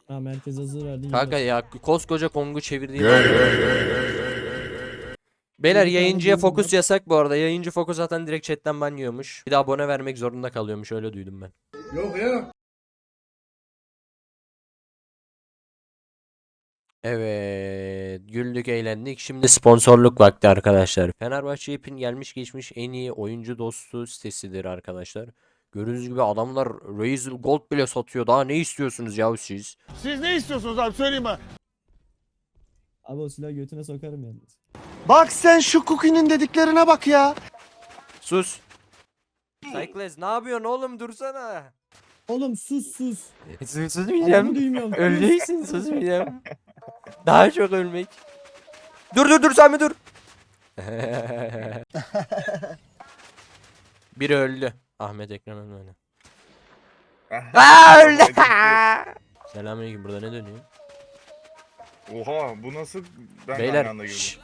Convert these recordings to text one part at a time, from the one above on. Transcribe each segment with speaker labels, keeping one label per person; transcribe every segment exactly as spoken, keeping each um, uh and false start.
Speaker 1: Ha merkez hazır verdi.
Speaker 2: Kanka
Speaker 1: yine.
Speaker 2: ya koskoca Kong'u çevirdi.
Speaker 3: Gel.
Speaker 2: Beyler
Speaker 1: Bir tane
Speaker 2: yayıncıya
Speaker 1: gördüm
Speaker 2: fokus yasak bu arada. Yayıncı fokus zaten direkt chatten ban yiyormuş. Bir de abone vermek zorunda kalıyormuş, öyle duydum ben.
Speaker 3: Yok ya.
Speaker 2: Evet, güldük eğlendik. Şimdi sponsorluk vakti arkadaşlar. Fenerbahçe App'in gelmiş geçmiş en iyi oyuncu dostu sitesidir arkadaşlar. Gördüğünüz gibi adamlar Razer Gold bile satıyor. Daha ne istiyorsunuz yahu siz?
Speaker 4: Siz ne istiyorsunuz abi söyleyin bana.
Speaker 1: Abi o silahı götüne sokarım yalnız.
Speaker 4: Bak sen şu Cookie'nin dediklerine bak ya.
Speaker 2: Sus. Cycles ne yapıyorsun oğlum, dursana.
Speaker 1: Oğlum sus sus.
Speaker 2: Sus
Speaker 1: Adamı
Speaker 2: susmayacağım.
Speaker 1: duymuyorum.
Speaker 2: Öleceksin, susmayacağım. Daha çok ölmek. Dur dur dur Sami dur. Biri öldü. Ahmet Ekrem ölmedi. Aa öldü. Selamünaleyküm, burada ne dönüyor?
Speaker 3: Oha bu nasıl ben
Speaker 2: Beyler.
Speaker 3: aynı anda girdim.
Speaker 2: şşş.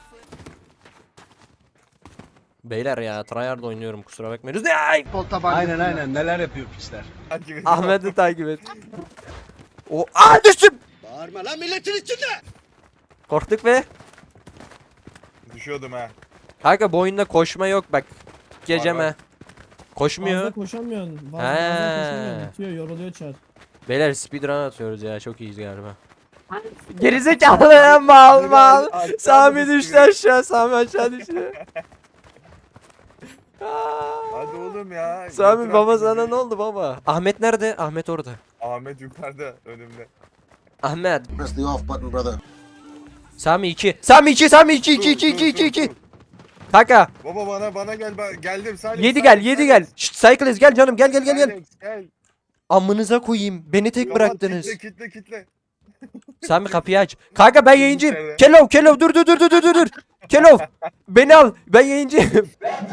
Speaker 2: Beyler ya tryhard oynuyorum, kusura bakmayın. Ay!
Speaker 4: Aynen aynen neler yapıyor pisler.
Speaker 3: Takip ediyorum.
Speaker 2: Ahmet'i takip et. O aa düştüm.
Speaker 4: Bağırma lan milletin içinde.
Speaker 2: Korktuk be.
Speaker 3: Düşüyordum ha.
Speaker 2: Kanka bu oyunda koşma yok bak.
Speaker 3: Var,
Speaker 2: Geceme.
Speaker 3: var.
Speaker 2: Koşmuyor.
Speaker 1: Fazla koşamıyorsun. Fazla,
Speaker 2: He.
Speaker 1: fazla koşamıyorsun. Bitiyor, yoruluyor çar.
Speaker 2: Beyler speedrun atıyoruz ya, çok iyiyiz galiba. Gerizekalı mal mal.
Speaker 3: Aşağı
Speaker 2: Sami
Speaker 3: düştü
Speaker 2: düştü
Speaker 3: biri.
Speaker 2: aşağı, Sami aşağı düştü.
Speaker 3: Hadi oğlum ya.
Speaker 2: Sami
Speaker 3: götür
Speaker 2: baba
Speaker 3: artık
Speaker 2: sana
Speaker 3: bizi.
Speaker 2: ne oldu baba? Ahmet nerede? Ahmet orada.
Speaker 3: Ahmet yukarıda önümde.
Speaker 2: Ahmet.
Speaker 5: Press the off button, brother.
Speaker 2: Sami iki. Sami iki. Sami iki iki
Speaker 3: Dur,
Speaker 2: iki
Speaker 3: dur,
Speaker 2: iki iki
Speaker 3: dur,
Speaker 2: iki.
Speaker 3: dur.
Speaker 2: Kanka.
Speaker 3: Baba bana bana gel ben geldim Salim.
Speaker 2: yedi
Speaker 3: Salim,
Speaker 2: gel yedi
Speaker 3: Salim.
Speaker 2: gel. Şşt Cycles gel canım, gel gel gel gel.
Speaker 3: Alex, gel.
Speaker 2: Amınıza koyayım. Beni tek
Speaker 3: Kapat,
Speaker 2: bıraktınız.
Speaker 3: Kitle kitle kitle.
Speaker 2: Sami kapıyı aç. Kanka ben yayıncıyım.
Speaker 3: İçeride.
Speaker 2: Kelov Kelov dur dur dur dur dur dur dur. Kelov beni al. Ben yayıncıyım.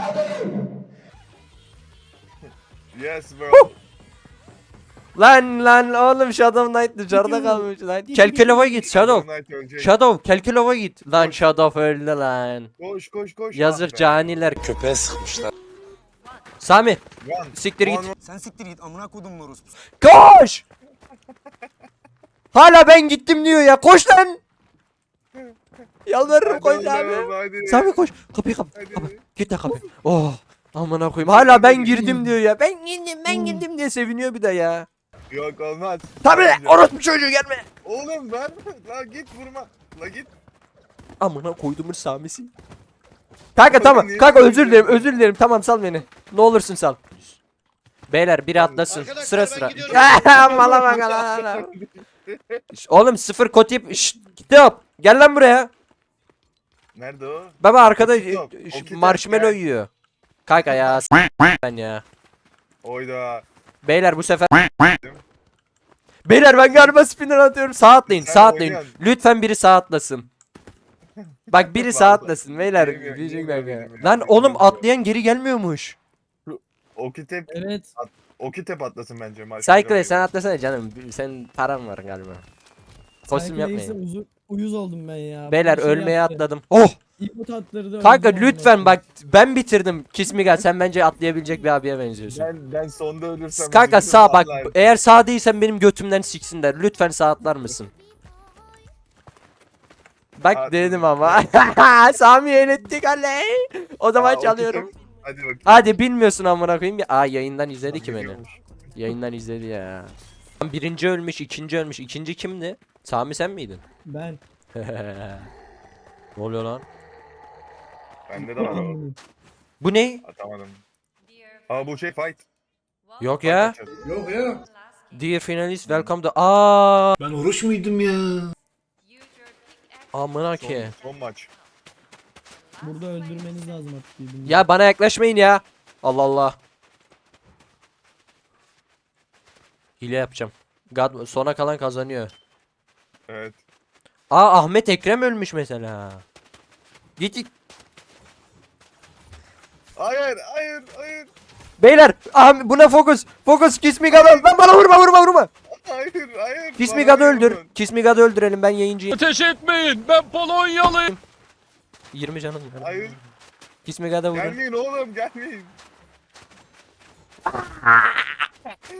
Speaker 3: Yes bro.
Speaker 2: Lan lan oğlum Shadow Knight dışarıda
Speaker 1: Gidiyorum.
Speaker 2: kalmış lan. Kelkelov'a git Shadow.
Speaker 3: Knight ölecek.
Speaker 2: Shadow Kelkelov'a git. Lan
Speaker 3: Koş.
Speaker 2: Shadow öldü lan.
Speaker 3: Koş koş koş.
Speaker 2: Yazık
Speaker 3: Ah be.
Speaker 2: caniler.
Speaker 5: Köpeğe sıkmışlar.
Speaker 2: Sami
Speaker 3: One,
Speaker 2: siktir
Speaker 3: one,
Speaker 2: git.
Speaker 3: one.
Speaker 4: Sen siktir git amına kodum morus.
Speaker 2: Koş. Hala ben gittim diyor ya. Koş lan. Yalvarırım
Speaker 3: Hadi
Speaker 2: koş
Speaker 3: oğlum,
Speaker 2: abi.
Speaker 3: hadi.
Speaker 2: Sami koş. Kapıyı kap.
Speaker 3: Hadi.
Speaker 2: Kapa. Git de kapıyı. Oh. Amına koyayım. Hala ben
Speaker 3: Hadi.
Speaker 2: girdim diyor ya. Ben girdim ben girdim diye seviniyor bir de ya.
Speaker 3: Yok olmaz.
Speaker 2: Tabii
Speaker 3: Bence.
Speaker 2: orospu çocuğu gelme.
Speaker 3: Oğlum ben la git vurma. La git.
Speaker 2: Amına koyduğumun Sami'si. Kanka
Speaker 3: Oğlum,
Speaker 2: tamam.
Speaker 3: niye
Speaker 2: Kanka
Speaker 3: böyle
Speaker 2: özür dilerim.
Speaker 3: yapıyorsun?
Speaker 2: Özür dilerim. Tamam sal beni. Ne olursun sal. Beyler biri atlasın.
Speaker 4: Arkadaşlar,
Speaker 2: Sıra
Speaker 4: ben
Speaker 2: sıra.
Speaker 4: gidiyorum.
Speaker 2: Mala bak lan. Şş, Oğlum sıfır kotip. Şşt kitap. Gel lan buraya.
Speaker 3: Nerede o?
Speaker 2: Baba arkada
Speaker 3: Okey, yok.
Speaker 2: e, ş-
Speaker 3: Okey,
Speaker 2: marshmallow
Speaker 3: gel.
Speaker 2: yiyor. Kanka ya s- ben ya.
Speaker 3: Oyda.
Speaker 2: Beyler bu sefer Beyler ben galiba spinner atıyorum. Sağ atlayın,
Speaker 3: Sen
Speaker 2: sağ atlayın.
Speaker 3: oynuyorsun.
Speaker 2: Lütfen biri sağ atlasın. Bak biri sağ
Speaker 3: Vallahi.
Speaker 2: atlasın beyler.
Speaker 3: Yemiyor,
Speaker 2: Diyecek
Speaker 3: yemiyor,
Speaker 2: kanka.
Speaker 3: yemiyor.
Speaker 2: Lan
Speaker 3: Yemiyor,
Speaker 2: oğlum
Speaker 3: yemiyor.
Speaker 2: atlayan geri gelmiyormuş.
Speaker 3: Okitep
Speaker 1: Evet.
Speaker 3: Okitep atlasın bence.
Speaker 2: Cycle sen atlasana canım. Sen param var galiba. Kostüm
Speaker 1: Cycle X'e
Speaker 2: yapmayın.
Speaker 1: uzu- uyuz oldum ben ya.
Speaker 2: Beyler
Speaker 1: Bir şey
Speaker 2: ölmeye
Speaker 1: yaptı.
Speaker 2: atladım. Oh!
Speaker 1: İpot attırdı.
Speaker 2: Kanka
Speaker 1: öldüm
Speaker 2: lütfen
Speaker 1: ondan
Speaker 2: bak ben bitirdim. Kismiga sen bence atlayabilecek bir abiye benziyorsun.
Speaker 3: Ben ben sonda ölürsem.
Speaker 2: Kanka
Speaker 3: üzülürüm
Speaker 2: sağ bak.
Speaker 3: vallahi.
Speaker 2: Eğer sağ değilsen benim götümden siksinler. Lütfen sağ atlar mısın? Bak
Speaker 3: Atladım.
Speaker 2: dedim ama. Sami'yi elettik aley. O zaman
Speaker 3: Aa,
Speaker 2: çalıyorum.
Speaker 3: Okitep- Hadi bakayım.
Speaker 2: Hadi bilmiyorsun amına koyayım ya. Aa yayından izledi ki beni.
Speaker 3: Biliyormuş.
Speaker 2: Yayından izledi ya. Birinci ölmüş, ikinci ölmüş. İkinci kimdi? Sami sen miydin?
Speaker 1: Ben.
Speaker 2: Ne oluyor lan?
Speaker 3: Bende de var o.
Speaker 2: Bu ne?
Speaker 3: Atamadım. Aa bu şey fight.
Speaker 2: Yok ya.
Speaker 3: Yok ya.
Speaker 2: Dear finalist welcome to... Aa,
Speaker 5: Ben oruç muydum ya?
Speaker 2: amına ki.
Speaker 3: Son, son maç.
Speaker 1: Burada öldürmeniz lazım artık birbirini.
Speaker 2: Ya bana yaklaşmayın ya. Allah Allah. Hile yapacağım. God, sona kalan kazanıyor.
Speaker 3: Evet.
Speaker 2: Aa Ahmet Ekrem ölmüş mesela. Git git.
Speaker 3: Hayır hayır hayır.
Speaker 2: Beyler ah, buna fokus. Fokus Kismiga'da. Lan bana vurma vurma vurma.
Speaker 3: Hayır hayır.
Speaker 2: Kismiga'da
Speaker 3: Bana
Speaker 2: öldür.
Speaker 3: vurun.
Speaker 2: Kismiga'da öldürelim, ben yayıncıyım.
Speaker 4: Ateş etmeyin ben Polonyalıyım.
Speaker 2: yirmi canım var.
Speaker 3: Hayır.
Speaker 2: Kismiga'da vurun.
Speaker 3: Gelmeyin oğlum gelmeyin.